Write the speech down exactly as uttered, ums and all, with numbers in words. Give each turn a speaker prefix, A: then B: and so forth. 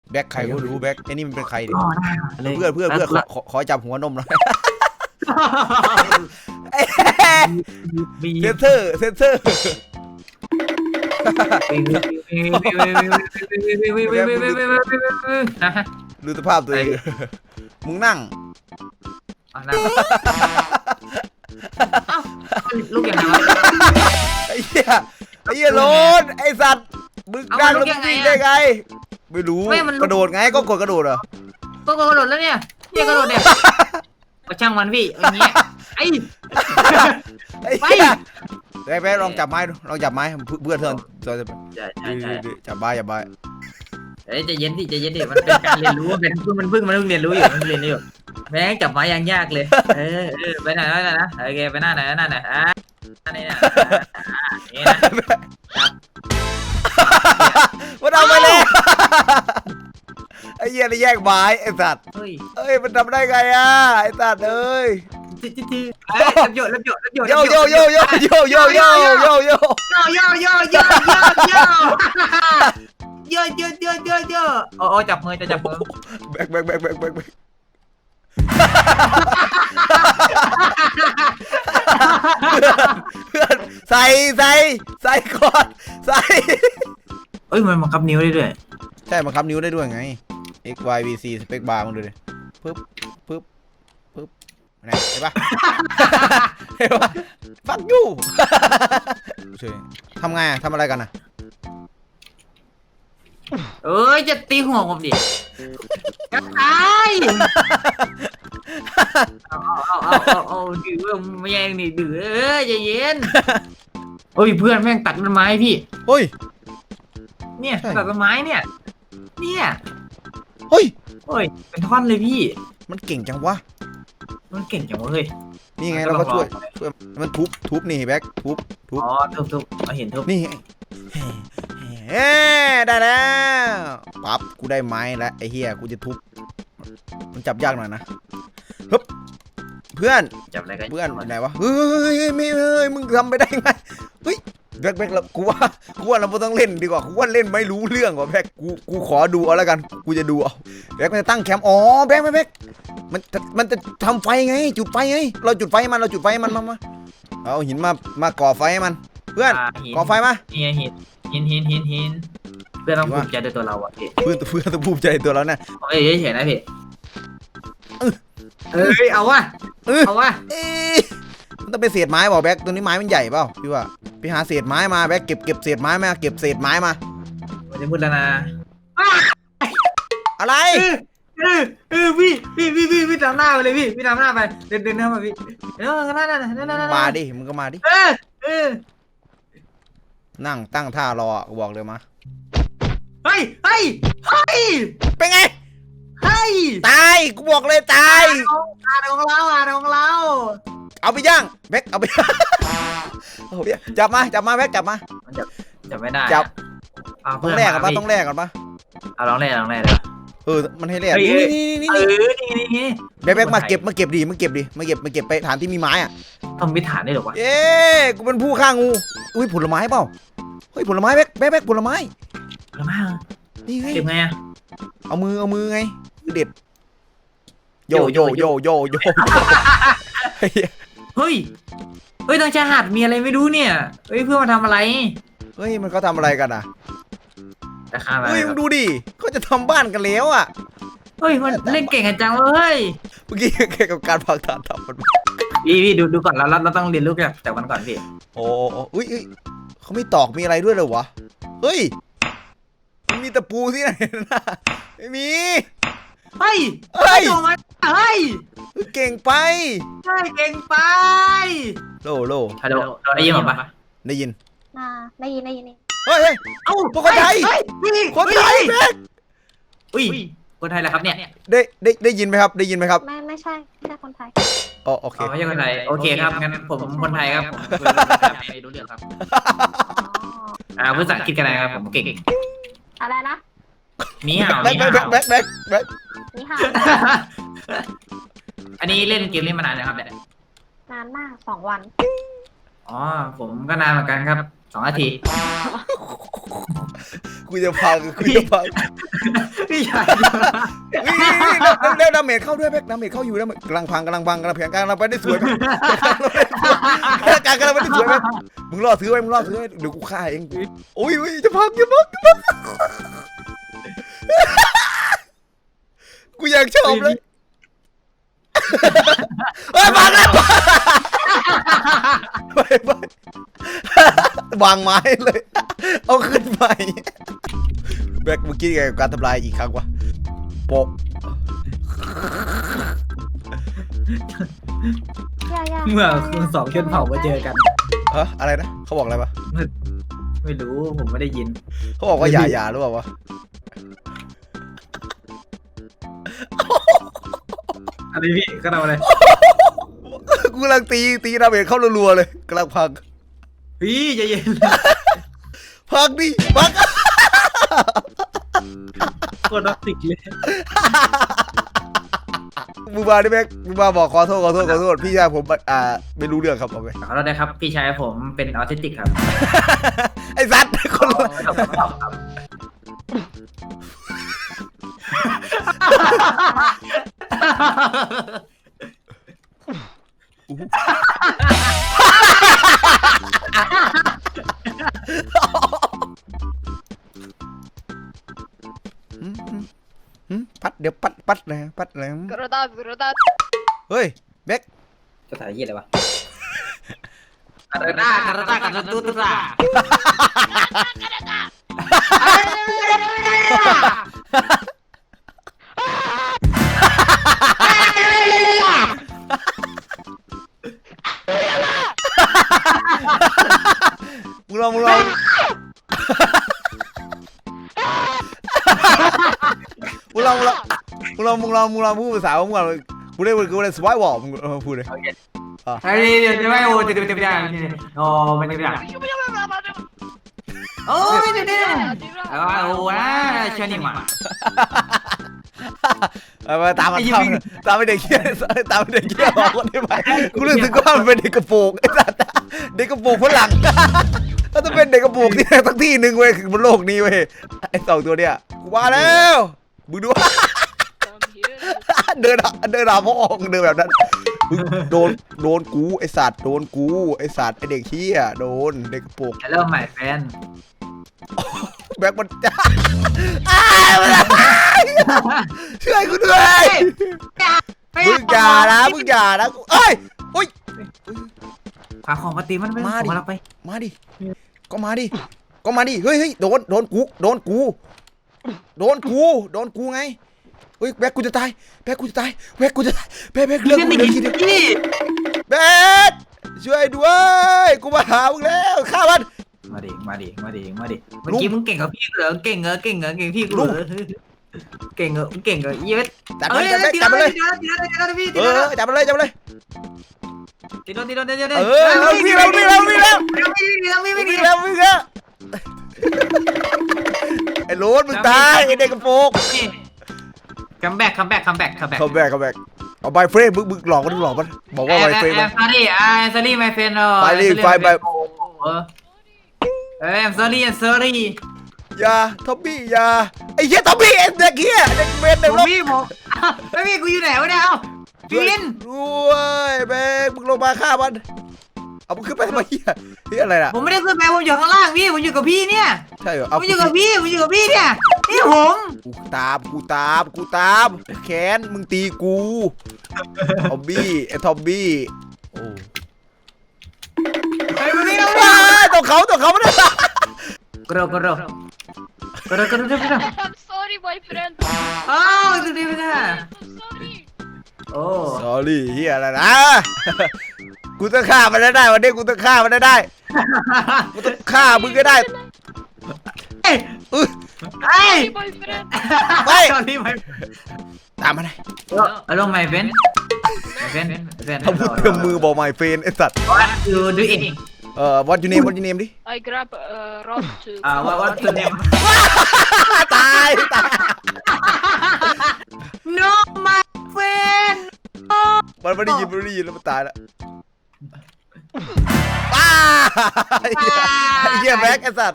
A: แบ็คใครก็รู้แบ็คไอ้นี่มันเป็นใครดิ
B: อ๋อได้
A: เพื่อนเพื่อนเพื่อนขอขอขอจับหัวนมหน่อย
B: บี
A: เซนเซอร์เซนเซอร์
B: นะฮะ
A: ดูสภาพตัวเองมึงนั่ง
B: อ่ะนะเอ้าลูกยังไงวะ
A: ไอ้เหี้ยไอ้เหี้ยโรนไอ้สัตว์มึงนั่งแล้วมึงวิ่งได้ไงไม่รู้กระโดดไงก็กดกระโดดเหรอ
B: ก็กระโดดแล้วเนี่ยเนี่ยกระโดดเนี่ยก็ช่างมันพี่อย่างเงี้ยไอ้
A: ไอ้เหี้ยแบ๊กแบ๊กลองจับไม้ดูลองจับไม้เพื่อนเพื่อนเพื่อน
B: ใช่ใช่ใช่
A: จับไม้จับไม้
B: เอ้ยใจเย็นสิใจเย็นดิมันเป็นการเรียนรู้มันเป็นเพิ่งมันเพิ่งมันเพิ่งเรียนรู้อยู่มันเรียนรู้อยู่แม่งจับไม้ยังยากเลยเออเออไปไหนไปไหนนะโอเคไปหน้าไหนหน้าไหนอ่ะนี่นะนี่นะจับ
A: มันเอาไปเลยไอ้เหี้ยนี่แยกไม้ไอ้สัตว์
B: เฮ้ย
A: เอ้ยมันทำได้ไงอ่ะไอ้สัตว์เอ้ย
B: จีจีจีเอ้ยรับโยรับโยรับโย
A: โยโยโยโยโยโยโยโยโยโย
B: โยโยโยโยโยโยโยโยโยโยโยโอ้โอ้จับมือจะจับมือ
A: แบกแบกแบกแบกแบกแบกเพื่อนใส่ใส่ใส่ก่อนใส่
B: เอ้ยมันบังคับนิ้วได้ด้วย
A: ใช่บังคับนิ้วได้ด้วยไง x y v c สเปคบาร์มึงดูดิปึ๊บปึ๊บปึ๊บไหนเห็นปะเห็นปะฟักยูช่วยทำไงอะทำอะไรกันอะ
B: เอ้ยจะตีหัวผมดิกระตายเอาเอาเอาเอาเอาดื้อไม่แย่งนี่ดื้อเอ้ยใจเย็นโอ้ยเพื่อนแม่งตัดต้นไม้พี่
A: เฮ้ย
B: เนี่ยตัดต้นไม้เนี่ยเนี่ย
A: เฮ้ย
B: โอ้ยเป็นท่อนเลยพี่
A: มันเก่งจังวะ
B: มันเก่งจังวะเฮ้ย
A: นี่ไงเราก็ช่วยช่วยมันทุบทุบนี่แบ็คทุบทุบ
B: อ๋อทุบทุบเอาเห็นทุบ
A: นี่ไงเฮ้ได้แล้วปั๊บกูได้ไม้แล้วไอ้เฮียกูจะทุบมันจับยากหน่อยนะฮึบเพื่อน
B: จับอะไรกัน
A: เพื่อนไหนวะเฮ้ยไม่เฮ้ยมึงทำไปได้ไงเฮ้ยแบ็คแบ็คเรากูว่ากูว่าเราไม่ต้องเล่นดีกว่ากูว่าเล่นไม่รู้เรื่องว่ะแบ็คกูกูขอดูเอาแล้วกันกูจะดูเอาแบ็คมันจะตั้งแคมป์อ๋อแบ็คแบ็คแบ็คมันจะมันจะทำไฟไงจุดไฟไงเราจุดไฟให้มันเราจุดไฟให้มันมามาเอาหินมามาก่อไฟให้มันเพื่อนก่อไฟมา
B: เนี่ยหินหินหินหินหินเพื่อนต้องภูมิใจในตัวเราอ่ะพี่
A: เพื่อนเพื่อนต้องภูมิใจตัวเราเนี่ย
B: เอ้ยเฉยๆนะพี่เอ้ยเอาวะ
A: เออ
B: เอาวะ
A: เอ๊ะมันต้องเป็นเศษไม้เปล่าแบ็คตัวนี้ไม้มันใหญ่เปล่าพี่ว่าไปหาเศษไม้มาแบ็คเก็บเก็บเศษไม้มาเก็บเศษไม้มา
B: มันจะมืดแล้วนะ
A: อะไร
B: เออเออพี่พี่พี่พี่พี่ตามหน้าไปเลยพี่พี่ตามหน้าไปเดินเดินหน้ามาพี่เออหน้าหน้าหน้าหน้าหน้า
A: มาดิมึงก็มาดิ
B: เออเออ
A: นั่งตั้งท่ารอกูบอกเลยมา
B: เฮ้ยเฮ้ยเฮ้ย
A: เป็นไง
B: เฮ้ย
A: ตายกูบอกเลยตาย
B: อ่านของเราอ่านของเรา
A: เอาไปย่างแบ็คเอาไป เอาไปย่างจับมาจับมาแบ็คจับมา
B: มันจะจะไม่ได้
A: จับ
B: เอา
A: ต้องแลกกันปะต้องแลกกันปะ
B: เอาลองแรกลองแรกเลย
A: เออมันให้แลก
B: เฮ้ย
A: นี่นี่นี่
B: เอ
A: นี่
B: อนี่นี่นี่
A: แบ็คแบ็คมาเก็บมาเก็บดิมาเก็บดิมาเก็บมาเก็บไปฐานที่มีไม้อ่ะ
B: ทำวิถานได้หรอวะ
A: เย้กูเป็นผู้ฆ่างูอุ้ยผลไม้เปล่าเฮ้ยผลไม้แบ็คแบ็คแบ็คผลไม้
B: แล้วมา
A: นี่ไง
B: เก็บไงอะ
A: เอามือเอามือไงเด็ดโยโยโยโยโย
B: เฮ้ยเฮ้ยทางชายหาดมีอะไรไม่รู้เนี่ยเฮ้ยเพื่อนมาทำอะไร
A: เฮ้ยมันเขาทำอะไรกันอ่ะ
B: แต่ข้ามา
A: เฮ้ยมึงดูดิเขาจะทำบ้านกันแล้วอ่ะ
B: เฮ้ยมันเล่นเก่งกันจังเฮ้ย
A: เมื่อกี้แค่กับการพักฐานทำมัน
B: พี่พี่ดูดูก่อนเราเราต้องเรียนรู้จากจากมันก่อนพี่
A: โอ้โอ้อุ้ยเขาไม่ตอกมีอะไรด้วยเลยวะเฮ้ยมันมีตะปูที่ไหนนะไม่มี
B: เฮ้ย
A: เฮ้ย
B: โดนมาเฮ้ย
A: เก่งไป
B: เฮ้ยเก่งไป
A: โลโล
B: ฮัลโหลเราได้ยินผมปะ
A: ได้ยิน
C: อ่าได้ยินได้ยินนี่
A: เฮ้ยเฮ้ย
B: เอ้า
A: พวกคนไทย
B: เฮ้พี่
A: คนไทยแม็ก
B: อุ้ยคนไทยแหละครับเนี่ย
A: ได้ได้ได้ยินไหมครับได้ยินไหมครับ
C: ไม่ไม่ใช่ไม่ใช่คนไทย
A: อ๋อโอเค
B: อ๋อไม่ใช่คนไทยโอเคครับงั้นผมคนไทยครับผมคุยภาษาไทยไม่รู้เรื่องครับ
C: อ๋อ
B: อ่าภาษาอังกฤษกันนะครับผมเก่ง
C: อะไรนะ
B: นี่ห่าว
A: แบ็ค
B: นี่
A: แบ็ค
B: ห่าว
A: แบ็คแบ็คแบ็ค
C: นี่ค่ะ
B: อันนี้เล่นเกมนี้มานานนะครับเนี่ย
C: นานมากสองวัน
B: อ๋อผมก็นานเหมือนกันครับสองนาที
A: กูจะพังกูจะพัง
B: พี่ชาย
A: นี่นี่แล้วแล้วดาเมจเข้าด้วยแบ็คดาเมจเข้าอยู่แล้วกำลังพังกำลังพังกำลังแผงกำลังไปได้สวยแบ็คการกำลังไปได้สวยแบ็คมึงรอซื้อไว้มึงรอซื้อไว้เดี๋ยวกูฆ่าเองโอ้ยโอ้ยจะพังจะพังจะพังกูอยากชอบเลยเฮ้ยพังแล้วไปไปวางไม้เลยเอาขึ้นไปแบ็คเมื่อกี้ไงกับการทำลายอีกครั้งวะโปะ
C: ย่าย่า
B: เมื่อคุณสองชนเผ่ามาเจอกัน
A: ฮะอะไรนะเขาบอกอะไรปะ
B: ไม่รู้ผมไม่ได้ยิน
A: เขาบอกว่าอย่าอย่าหรือเปล่าวะ
B: อะไรพี่ก็ทำอะไร
A: กูกำลังตีตีดาเมจเข้ารัวๆเลยกำลังพัง
B: พี่ใจเย็น
A: พังดิพัง
B: โคตรรักติกเลย
A: มึงมาดิแม็กมึงมาบอกขอโทษขอโทษขอโทษพี่ชายผมอ่าไม่รู้เรื่องครับเอาไป
B: ขอโทษนะครับพี่ชายผมเป็นออทิสติกครับ
A: ไอ้สัตว์คนละหืมปัดเดี๋ยวปัดปัดเลยปัดเลย
C: Gerudad gerudad
A: เฮ้ยแบ็ค
B: ภาษายี่อะไรวะคาราตาคาราตาคาราตูตา
A: มึงลองมึงลองมึงลองมึงลองมึงลองมึงลองมึงลองพูดภาษาของมึงก่อนกูได้กูได้สวายวอลมึงพูดเลย
B: ไอ้เดี๋ยวไม่โอ้จะจะจะไม่โอ้ไม่ได้โอ้ไม่ได้โอ้นะชนิมา
A: เอามาตามมาตามตามไปเด็กเกี้ยตามไปเด็กเกี้ยบอกคนได้ไหมกูรู้สึกว่ามันเป็นเด็กกระโปรงไอ้สัตว์เด็กกระโปรงฝรั่งถ้าจะเป็นเด็กกระโปรงที่ทั้งที่หนึ่งเว้ยคือบนโลกนี้เว้ยไอ้สองตัวเนี้ยกูมาแล้วมึงดูเดินเดินหาพ่อเดินแบบนั้นโดนโดนกูไอ้สัตว์โดนกูไอ้สัตว์ไอ้เด็กเหี้ยโดนเด็กกระโปรง
B: Hello my friend
A: แบ็คมันจ้าช่วยกูด้วยมึงอย่านะมึงอย่านะเอ้ยอุ้ย
B: ขวาของปฏิมันไปของเราไป
A: มาดิก็มาดิก็มาดิเฮ้ยเฮ้ยโดนโดนกูโดนกูโดนกูโดนกูไงเฮ้ยแบ็คกูจะตายแบ็คกูจะตายแบ็คกูจะตายแบ็คแบ็คเรื่องกูเดี๋ยวคิดดิแบ็คช่วยด้วยกูมาหามึงแล้วฆ่ามัน
B: มาดิมาดิมาดิมาดิเมื่อกี้มึงเก่งกับพี่เหรอเก่งเหรอเก่งเหรอเก่งพี่กูเหรอเก่งเหรอเก่งเหรอเยอะ
A: จับมันจับมันจับมันเลยเออจับมันเลยจับมันเลย
B: ตีโดนตีโดนตีโดน
A: เออเราวิ่งเราวิ่งเราวิ่งแล้ว
B: วิ่งวิ่งวิ่ง
A: วิ่งแล้ววิ่งแล้วไอ้โรสมึงตายไอ้เด็กกระโปรง
B: คัมแบ็กคัมแบ็กคัมแบ็กคัมแบ็ก
A: คัมแบ็กคัมแบ็กเอาใบเฟรมมึงมึงหลอกมันหลอกมันบอกว่าใบเฟรม
B: แอมซอรี่อ่าซอรี่ไมเฟนอ๋อ
A: ไฟรีไฟแบบ
B: เออแอมซอรี่แอมซอรี่
A: อย่าทอมบี้อย่าไอ้เหี้ยทอมบี้ไอ้เด็กเหี้ยเด็กเมนเด็กรบ
B: พี่ผมไม่พี่กูอยู่ไหนวะเนี่ยเอ้าพี่วิน
A: ด้วยแบงมึงลงมาฆ่ามันเอามึงขึ้นไปทำไมเหี้ยเหี้ยอะไรล่ะ
B: ผมไม่ได้ขึ้นไปผมอยู่ข้างล่างพี่ผมอยู่กับพี่เนี่ย
A: ใช่เหรอ
B: ผ
A: เอา
B: มอยู่กับพี่ผมอยู่กับพี่เนี่ยนี่ผม
A: กูตามกูตามกูตามแขนมึงตีกูทอมบี้ไอ้ทอมบี้โอ้
B: ไอ้พี่เรา
A: ว้ายตัวเขาตัวเขาไม่ได้
B: กระโดดกระโดดกระโดดกระโดดกระโดด
C: I'm sorry boyfriend
B: อ้าวดูดิพี่นะ
C: I'm sorry
B: โอ้
A: สอรี่เฮียอะไรนะกูต้องฆ่ามันได้วันนี้กูต้องฆ่ามันได้กูต้องฆ่ามึงก็ได้
B: เอ้ย
A: เออ
B: ไอ้
C: boyfriend
A: ไป
B: ตอนนี้ไม่
A: ตามมาเลย
B: อารมณ์ไม่เป็นไม่เป็นไม่เป็น
A: ทำพูดเต็มมือบอกไม่เฟนไอ้สัตว์
B: What you doing
A: เอ่อ what you name what you name ดิ
C: I grab uh, rod to
B: อ่า what what your name
A: ตายตาย
B: No my friend
A: มันไม่ได้ยินมันไม่ได้ยินแล้วมันตายแล้วป้าไอ้เหี้ยแบ็คไอ้สัตว์